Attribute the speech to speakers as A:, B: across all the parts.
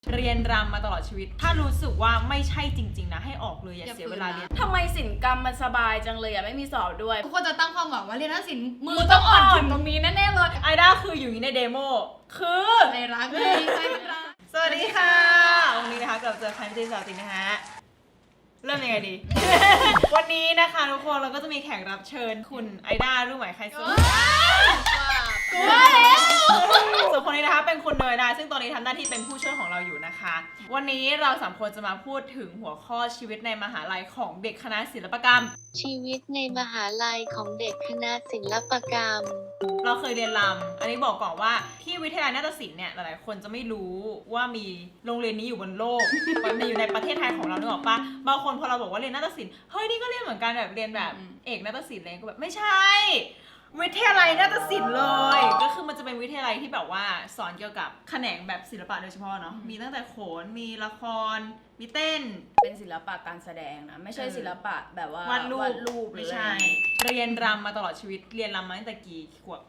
A: เรียนรำมาตลอดชีวิตถ้ารู้สึกว่าไม่ใช่จริงๆนะให้ออกเลยอย่าเสียเวลาเรียน
B: ทำไมศิลปกรรมมันสบายจังเลยไม่มีสอบด้วย
C: ทุกคนจะตั้งความหวังว่าเรียนนักศิลป์มือต้องอ่อนถึงตรงนี้แน่ๆเลย
A: ไอด้าคืออยู่ในเดโมคือ
C: ใจรักเลยใจรัก
A: สวัสดีค่ะวันนี้นะคะกลับเจอคันที่สาวตินนะฮะเริ่มยังไงดี วันนี้นะคะทุกคนเราก็จะมีแขกรับเชิญคุณไอด้ารู้ไหมใครซึ่ง
C: กลัวแล้ว
A: ส่วนคนนี้นะคะเป็นคุณเนยนะซึ่งตอนนี้ทำหน้าที่เป็นผู้ช่วยของเราอยู่นะคะวันนี้เราสามคนจะมาพูดถึงหัวข้อชีวิตในมหาลัยของเด็กคณะศิลปกรรม
D: ชีวิตในมหาลัยของเด็กคณะศิลปกรรม
A: เราเคยเรียนรำอันนี้บอกก่อนว่าที่วิทยาลัยนาฏศิลป์เนี่ยหลายๆคนจะไม่รู้ว่ามีโรงเรียนนี้อยู่บนโลก มันอยู่ในประเทศไทยของเรานึกออกปะบางคนพอเราบอกว่าเรียนนาฏศิลป์เฮ้ยนี่ก็เรียนเหมือนกันแบบเรียนแบบเอกนาฏศิลป์อะไรก็แบบไม่ใช่วิทยาลัยนาฏศิลป์เลยก็คือมันจะเป็นวิทยาลัยที่แบบว่าสอนเกี่ยวกับแขนงแบบศิลปะโดยเฉพาะเนาะมีตั้งแต่โขนมีละครมีเต้น
B: เป็นศิลปะการแสดงนะไม่ใช่ศิลปะแบบว่าว
A: าดรูป
B: หรือ
A: ไม่ใช่เรียนรำมาตลอดชีวิตเรียนรำมาตั้งแต่กี่ขวบ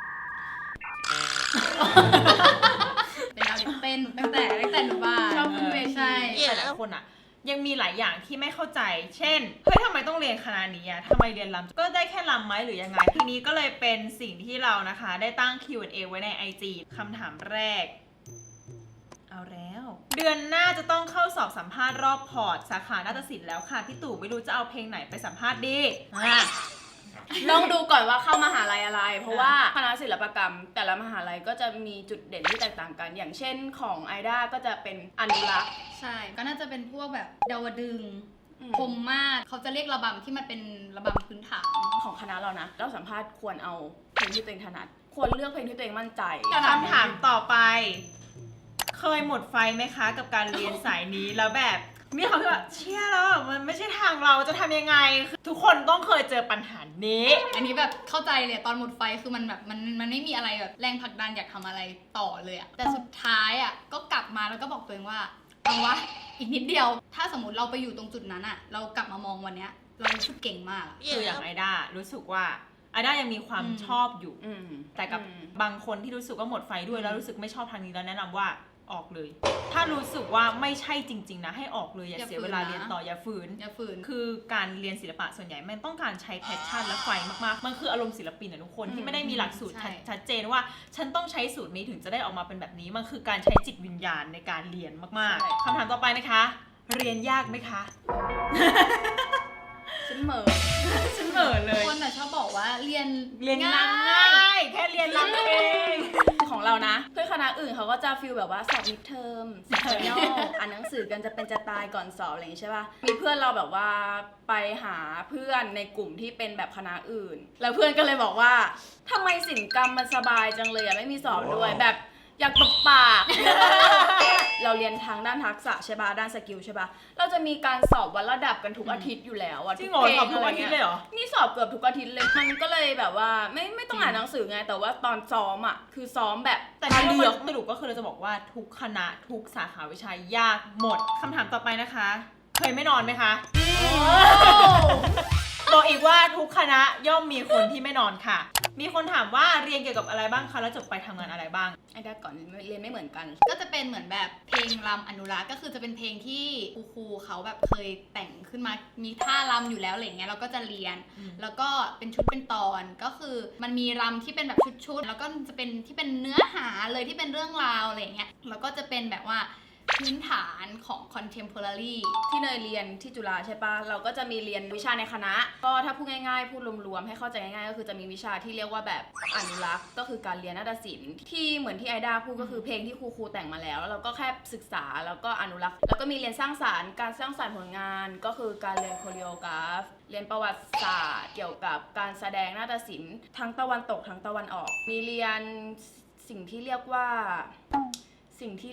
C: เป็นดาวเต้นตั้งแต่หนูบ้าน
B: ชอบขึ้นเวที
C: ใช่
A: แต่หลายคนอ่ะยังมีหลายอย่างที่ไม่เข้าใจเช่นเฮ้ยทำไมต้องเรียนคณะนี้อ่ะทำไมเรียนรำก็ได้แค่รำไหมหรือยังไงทีนี้ก็เลยเป็นสิ่งที่เรานะคะได้ตั้ง Q&A ไว้ใน IG คำถามแรกเอาแล้วเดือนหน้าจะต้องเข้าสอบสัมภาษณ์รอบพอร์ตสาขานาฏศิลป์แล้วค่ะพี่ตู่ไม่รู้จะเอาเพลงไหนไปสัมภาษณ์ดี
B: ลองดูก่อนว่าเข้ามหาลัยอะไรเพราะว่าคณะศิลปกรรมแต่ละมหาลัยก็จะมีจุดเด่นที่แตกต่างกันอย่างเช่นของไอด้าก็จะเป็นอนุรักษ์
C: ใช่ก็น่าจะเป็นพวกแบบดาวดึงคมมากเขาจะเรียกระบำที่มันเป็นระบำพื้นฐาน
B: ของคณะเรานะเราสัมภาษณ์ควรเอาเพลงที่ตัวเองถนัดควรเลือกเพลงที่ตัวเองมั่นใจ
A: คำถามต่อไปเคยหมดไฟไหมคะกับการเรียนสายนี้แล้วแบบมีคำที่ว่าเชี่ยแล้วมันไม่ใช่ทางเราจะทำยังไงทุกคนต้องเคยเจอปัญหานี้
C: อันนี้แบบเข้าใจเลยตอนหมดไฟคือมันแบบมันไม่มีอะไรแบบแรงผลักดันอยากทำอะไรต่อเลยอะแต่สุดท้ายอะก็กลับมาแล้วก็บอกตัวเองว่าเอาวะอีกนิดเดียวถ้าสมมติเราไปอยู่ตรงจุดนั้นอะเรากลับมามองวันเนี้ยเรารู้สึกเก่งมาก
A: คืออย่างไอด้ารู้สึกว่าไอด้ายังมีความชอบอยู่แต่กับบางคนที่รู้สึกว่าหมดไฟด้วยแล้วรู้สึกไม่ชอบทางนี้แล้วแนะนำว่าออกเลยถ้ารู้สึกว่าไม่ใช่จริงๆนะให้ออกเลยอย่าเสียเวลาเรียนต่ออย่าฝืนคือการเรียนศิลปะส่วนใหญ่มันต้องการใช้แพชชั่นและไฟมากๆมันคืออารมณ์ศิลปินนะทุกคนที่ไม่ได้มีหลักสูตรชัดเจนว่าฉันต้องใช้สูตรนี้ถึงจะได้ออกมาเป็นแบบนี้มันคือการใช้จิตวิญญาณในการเรียนมากๆคำถามต่อไปนะคะเรียนยากไหมคะ
B: ฉันเหม่อ
A: เลย
C: คนชอบบอกว่าเรียน
A: ง่ายแค่เรียนรำเอง
B: ของเรานะเพื่อนคณะอื่นเขาก็จะฟีลแบบว่าสอบมิดเทอมสอบย่ออ่านหนังสือกันจะเป็นจะตายก่อนสอบอะไรอย่างนี้ใช่ป่ะมีเพื่อนเราแบบว่าไปหาเพื่อนในกลุ่มที่เป็นแบบคณะอื่นแล้วเพื่อนก็เลยบอกว่าทำไมศิลปกรรมมันสบายจังเลยไม่มีสอบด้วยแบบอยากตบปาก เราเรียนทางด้านทักษะใช่ป่ะด้านสกิลใช่ป่ะเราจะมีการสอบวัดระดับกันทุกอาทิตย์อยู่แล้ว
A: จริงเหรอสอบทุกอาทิตย์เลยเหรอ
B: นี่สอบเกือบทุกอาทิตย์เลยมันก็เลยแบบว่าไม่ต้องอ่านหนังสือไงแต่ว่าตอนซ้อมอ่ะคือซ้อมแบบ
A: แต่ที่เลือกสรุปก็คือเราจะบอกว่าทุกคณะทุกสาขาวิชายากหมดคำถามต่อไปนะคะเคยไม่นอนไหมคะบอกอีกว่าทุกคณะย่อมมีคนที่ไม่นอนค่ะมีคนถามว่าเรียนเกี่ยวกับอะไรบ้างคะแล้วจบไปทำงานอะไรบ้าง
B: ไอ้ด้าก่อนเรียนไม่เหมือนกัน
C: ก็จะเป็นเหมือนแบบเพลงรำอนุรักษ์ก็คือจะเป็นเพลงที่ครูเขาแบบเคยแต่งขึ้นมามีท่ารำอยู่แล้วอะไรเงี้ยเราก็จะเรียนแล้วก็เป็นชุดเป็นตอนก็คือมันมีรำที่เป็นแบบชุดแล้วก็จะเป็นที่เป็นเนื้อหาเลยที่เป็นเรื่องราวอะไรเงี้ยแล้วก็จะเป็นแบบว่าพื้นฐานของ contemporary
B: ที่เนยเรียนที่จุฬาใช่ปะเราก็จะมีเรียนวิชาในคณะก็ถ้าพูดง่ายๆพูดรวมๆให้เข้าใจง่ายๆก็คือจะมีวิชาที่เรียกว่าแบบอนุรักษ์ก็คือการเรียนนาฏศิลป์ที่เหมือนที่ไอด้าพูดก็คือเพลงที่ครูแต่งมาแล้วเราก็แค่ศึกษาแล้วก็อนุรักษ์แล้วก็มีเรียนสร้างสรรค์การสร้างสรรค์ผลงานก็คือการเรียนโคเรียกราฟเรียนประวัติศาสตร์เกี่ยวกับการแสดงนาฏศิลป์ทั้งตะวันตกทั้งตะวันออกมีเรียนสิ่งที่เรียกว่าสุนท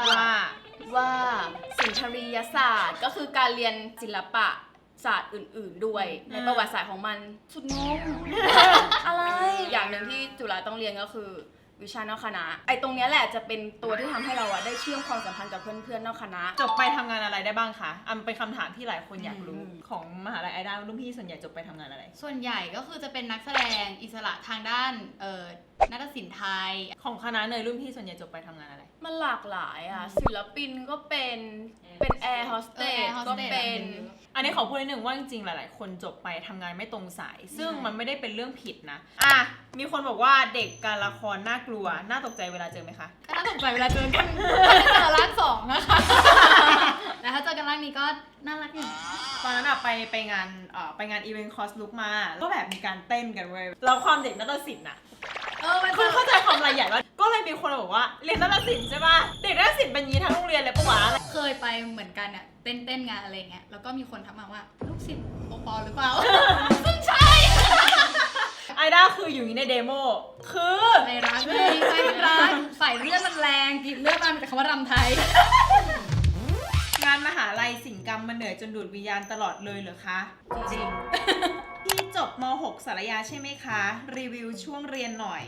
B: รียศาสตร์ก็คือการเรียนศิลปะศาสตร์อื่นๆด้วยในประวัติศาสตร์ของมันสุดงง อะไรอย่างหนึ่งที่จุฬาต้องเรียนก็คือวิชานอกคณะไอ้ตรงนี้แหละจะเป็นตัวที่ทำให้เราได้เชื่อมความสัมพันธ์กับเพื่อนๆนอกคณะ
A: จบไปทำงานอะไรได้บ้างคะเป็นคำถามที่หลายคนอยากรู้ของมหาลัยไอด้ารุ่นพี่ส่วนใหญ่จบไปทำงานอะไร
C: ส่วนใหญ่ก็คือจะเป็นนักแสดงอิสระทางด้านนาฏศิลป์ไทย
A: ของคณะเนยรุ่นพี่ส่วนใหญ่จบไปทำงานอะไร
B: มันหลากหลายอ่ะศิลปินก็เป็นแอร์โฮสเตส
C: Air Hostess
B: ก็เป็น
A: อันนี้ขอพูดนิดนึงว่าจริงๆหลายๆคนจบไปทำงานไม่ตรงสาย ซึ่ง
C: ใช่
A: มันไม่ได้เป็นเรื่องผิดนะมีคนบอกว่าเด็กการละครน่ากลัวน่าตกใจเวลาเจอไหมคะ
C: ก็น่าสนใจเวลาเจอกันถ้าเจอร่างสองนะคะแต่ถ้าเจอกันร่างนี้ก็น่ารักอยู่
A: ตอนนั้นไปงานอีเวนต์คอสลุกมาก็แบบมีการเต้นกันเว้ยแล้วความเด็กนาฏศิลป์น่ะ
C: มัน
A: คือเข้าใจความรายใหญ่ว่าก็เลยมีคนบอกว่าเรียนนาฏศิลป์ใช่ป่ะเด็กนาฏศิลป์เป็นอย่างนี้ทั้งโรงเรียนเลยปะวะอะไร
C: เคยไปเหมือนกันเนี่ยเต้นงานอะไรเงี้ยแล้วก็มีคนทักมาว่าลูกศิษย์โอปอหรือเปล่า ซึ่งใช่
A: ไอด้าคืออยู่ในเดโมคือ
C: ใจรักเลยใจรักใส่เลือดมันแรงกินเลือดมันแต่คำว่ารำไทย
A: งานมหาลัยศิลปกรรมมันเหนื่อยจนดูดวิญญาณตลอดเลยเหรอคะจริงพี่จบม .6 สารยาใช่ไหมคะรีวิวช่วงเรียนหน่อย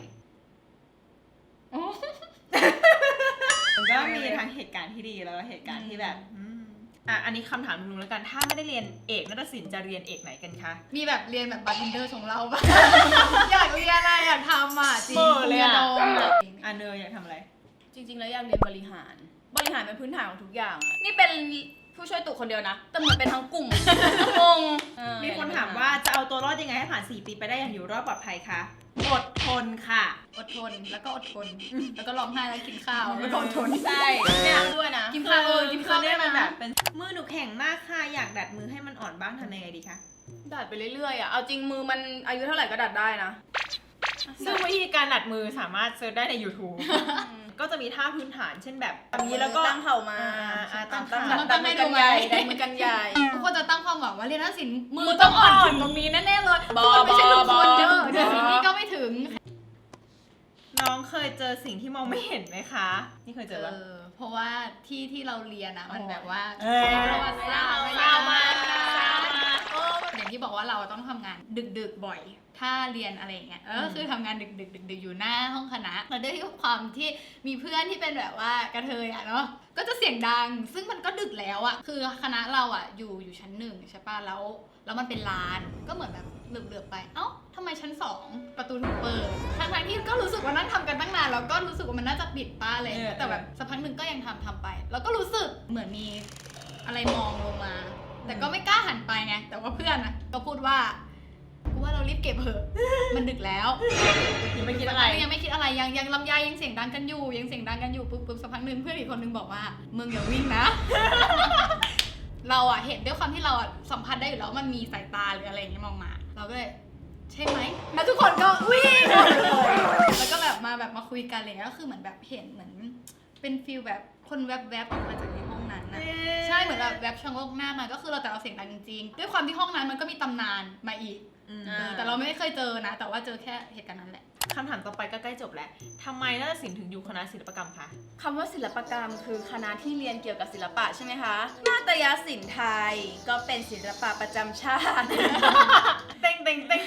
A: มันก็มีทั้งเหตุการณ์ที่ดีแล้วก็เหตุการณ์ที่แบบอันนี้คำถามนึงแล้วกันถ้าไม่ได้เรียนเอกนาฏศิลป์จะเรียนเอกไหนกันคะ
C: มีแบบเรียนแบบบาร์เทนเดอร์ของเราปะ อยากเรียนอะไรอยากทำอ่ะจริง
A: เบอร์เลยอะ
C: โดมอะ
A: เนยอยากทำอะไร
B: จริงๆแล้วอยากเรียนบริหารเป็นพื้นฐานของทุกอย่างอะนี่เป็นผู้ช่วยตุคนเดียวนะแต่เหมือนเป็นทั้งกลุ่มงง
A: มีคนถามว่าจะเอาตัวรอดยังไงให้ผ่าน4 ปีไปได้อย่างอยู่รอดปลอดภัยคะอดทนค่ะ
C: อดทนแล้วก็อดทนแล้วก็ร้องไห้แล้วกินข้าวแล้วก็อดทน
B: ใช่เนี่ยด้วยนะ
C: กินข้าวกินข้าว
A: เนี่ยมัน
C: ได้
A: แบ
C: นะ
A: บเป็นมือหนูแข็งมากค่ะอยากดัดมือให้มันอ่อนบ้างทำยังไงดีคะ
B: ดัดไปเรื่อยๆอ่ะเอาจริงมือมันอายุเท่าไหร่ก็ดัดได้นะ
A: ซึ่งวิธีการดัดมือสามารถเซิร์ชได้ใน YouTube ก็จะมีท่าพื้นฐานเช่นแบบแบบนี้แล้วก็
B: ตั้งเข่ามา
A: ตั้งเข่า
B: ดัดมือกันใหญ่ดัดมือกันใหญ่
C: ทุกคนจะตั้งความหวังว่าเรียนนักศิลป์มือต้องอ่อนถึงตรงนี้แน่ๆเลย
B: บอ
C: ไม่ใช่ทุกคนเด้
B: บ
C: อ
B: อ
C: เดี๋ยวนี้ก็ไม่ถึง
A: น้องเคยเจอสิ่งที่มองไม่เห็นไหมคะ นี่เคยเจอปะ
C: เพราะว่าที่เราเรียนอะมันแบบว่า
A: เอ้ย
C: ประวัติศาสตร์
B: เศร้ามาก
C: อย่างที่บอกว่าเราต้องทำงานดึกๆบ่อย ถ้าเรียนอะไรอย่างเงี้ยก็คือทำงานดึกๆอยู่หน้าห้องคณะแล้วด้วยความที่มีเพื่อนที่เป็นแบบว่ากระเทยอะเนาะก็จะเสียงดัง ซึ่งมันก็ดึกแล้วอะคือคณะเราอะอยู่ชั้น1ใช่ป่ะแล้วมันเป็นลานก็เหมือนแบบเหลือบๆไปเอ้าทำไมชั้น2ประตูถูกเปิดทั้งที่ก็รู้สึกว่านั่งทำกันตั้งนานแล้วก็รู้สึกว่ามันน่าจะปิดป้าเลยแต่แบบสักพักหนึ่งก็ยังทำไป แล้วก็รู้สึกเหมือนมีอะไรมองลงมา แต่ก็ไม่กล้าหันไปไงแต่ว่าเพื่อนนะก็พูดว่ากูว่าเรารีบเก็บเถอะ มันดึกแล้ว
A: ยังไม่คิดอะไร
C: ยังไม่คิดอะไรยังลำไยยังเสียงดังกันอยู่ปุ๊บสักพักหนึ่งเพื่อนอีกคนนึงบอกว่ามึงอย่าวิ่งนะ เราอะเห็นด้วยความที่เราอะสัมผัสได้อยู่แล้วมันมีสายตาหรืออะไรอย่างเงี้ยมองมาเราก็เลยใช่ไหมแล้วทุกคนก็วิ่งแล้วก็แบบมาคุยกันอะไรเงี้ยก็คือเหมือนแบบเห็นเหมือนเป็นฟีลแบบคนแวบๆออกมาจากในห้องนั้นนะใช่เหมือนแบบแวบชะโงกหน้ามาก็คือเราแต่เราเสียงดังจริงๆด้วยความที่ห้องนั้นมันก็มีตำนานมาอีกแต่เราไม่เคยเจอนะแต่ว่าเจอแค่เหตุการณ์นั้นแหละ
A: คำถามต่อไปก็ใกล้จบแล้วทำไมนาฏศิลป์ถึงอยู่คณะศิลปกรรมคะ
B: คำว่าศิลปกรรมคือคณะที่เรียนเกี่ยวกับศิลปะใช่ไหมคะนาฏยศิลป์ไทยก็เป็นศิลปะประจำชาติ
A: เต็ง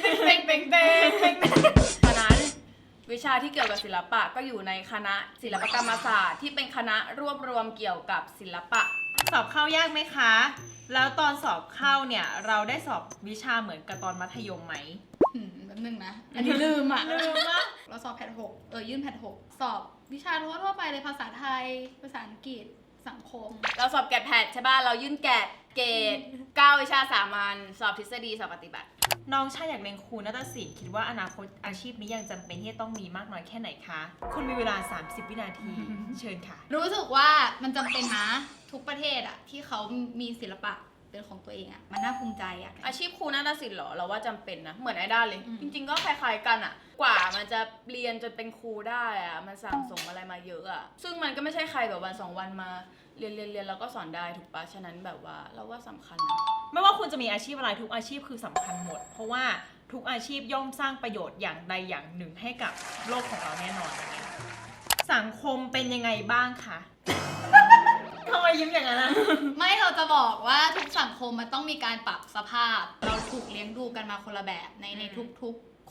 B: ฉะนั้นวิชาที่เกี่ยวกับศิลปะก็อยู่ในคณะศิลปกรรมศาสตร์ที่เป็นคณะรวบรวมเกี่ยวกับศิลปะ
A: สอบเข้ายากไหมคะ แล้วตอนสอบเข้าเนี่ยเราได้สอบวิชาเหมือนกับตอนมัธยมไหม
C: แป๊บนึงนะ อันนี้ลืมอ่ะ
A: ลืมอะ
C: เราสอบแพท6ยื่นแพท6สอบวิชาทั่วไปเลยภาษาไทย ภาษาอังกฤษ สังคม
B: เราสอบแกดแพดใช่ป่ะเรายื่นแกดเกรด9วิชาสามัญสอบทฤษฎีสอบปฏิบัติ
A: น้องชายอยากเรียนครูนาฏศิลป์คิดว่าอนาคตอาชีพนี้ยังจำเป็นที่จะต้องมีมากน้อยแค่ไหนคะ คุณมีเวลา 30 วินาที เชิญค่ะ
C: รู้สึกว่ามันจำเป็นนะทุกประเทศอ่ะที่เขามีศิลปะเป็นของตัวเองอ่ะมันน่าภูมิใจอ่ะ
B: อาชีพครูนาฏศิลป์เหรอเราว่าจำเป็นนะเหมือนไอด้าเลย
C: อืม
B: จริงๆก็คล้ายๆกันอะกว่ามันจะเรียนจนเป็นครูได้อะมันสั่งสมอะไรมาเยอะอะซึ่งมันก็ไม่ใช่ใครแบบวัน2วันมาเรียนแล้วก็สอนได้ถูกปะฉะนั้นแบบว่าเราว่าสำคัญนะ
A: ไม่ว่าคุณจะมีอาชีพอะไรทุกอาชีพคือสำคัญหมด เพราะว่าทุกอาชีพย่อมสร้างประโยชน์อย่างใดอย่างหนึ่งให้กับโลกของเราแน่นอนสังคมเป็นยังไงบ้างคะ ทำไมยิ้มอย่างนั้นนะ
C: ไม่เราจะบอกว่าทุกสังคมมันต้องมีการปรับสภาพ เราถูกเลี้ยงดูกันมาคนละแบบในทุกๆ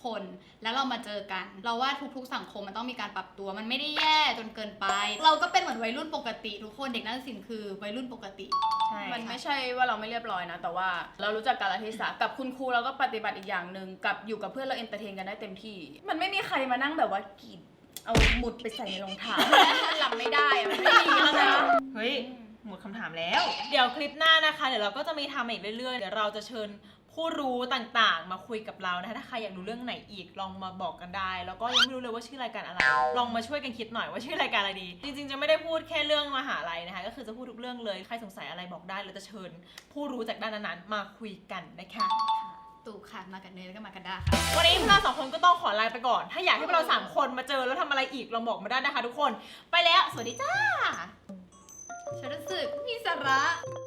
C: คน แล้วเรามาเจอกัน เราว่าทุกๆสังคมมันต้องมีการปรับตัวมันไม่ได้แย่จนเกินไป เราก็เป็นเหมือนวัยรุ่นปกติทุกคนเด็กนักศิลป์คือวัยรุ่นปกติ
A: ใช่
B: มันไม่ใช่ว่าเราไม่เรียบร้อยนะ แต่ว่าเรารู้จักกาลเทศะกับคุณครูเราก็ปฏิบัติอีกอย่างหนึ่งกับอยู่กับเพื่อนเราเอนเตอร์เทนกันได้เต็มที่ มันไม่มีใครมานั่งแบบว่ากรีดเอาหมุดไปใส่ในรองเท้า มันหลับไม่ได้อะมันไม่ดีนะ
A: เฮ้ยหมดคำถามแล้ว เดี๋ยวคลิปหน้านะคะเดี๋ยวเราก็จะมีทำอีกเรื่อยๆเดี๋ยวเราจะเชิญผู้รู้ต่างๆ มาคุยกับเรานะคะถ้าใครอยากรู้เรื่องไหนอีกลองมาบอกกันได้ แล้วก็ยังไม่รู้เลยว่าชื่อรายการอะไร ลองมาช่วยกันคิดหน่อยว่าชื่อรายการอะไรดี จริงๆจะไม่ได้พูดแค่เรื่องมหาลัยนะคะก็คือจะพูดทุกเรื่องเลยใครสงสัยอะไรบอกได้เราจะเชิญผู้รู้จากด้านนั้นๆมาคุยกันนะคะ
C: ตู่ค่ะมากันเนยแล้วก็มากันด้าค่ะ
A: วันนี้พวกเราสองคนก็ต้องขอลาไปก่อน ถ้าอยากให้พวกเราสามคนมาเจอแล้วทำอะไรอีกลองบอกมาได้นะคะทุกคนไปแล้วสวัสดีจ้า
C: ฉันรู้สึกมีสาระ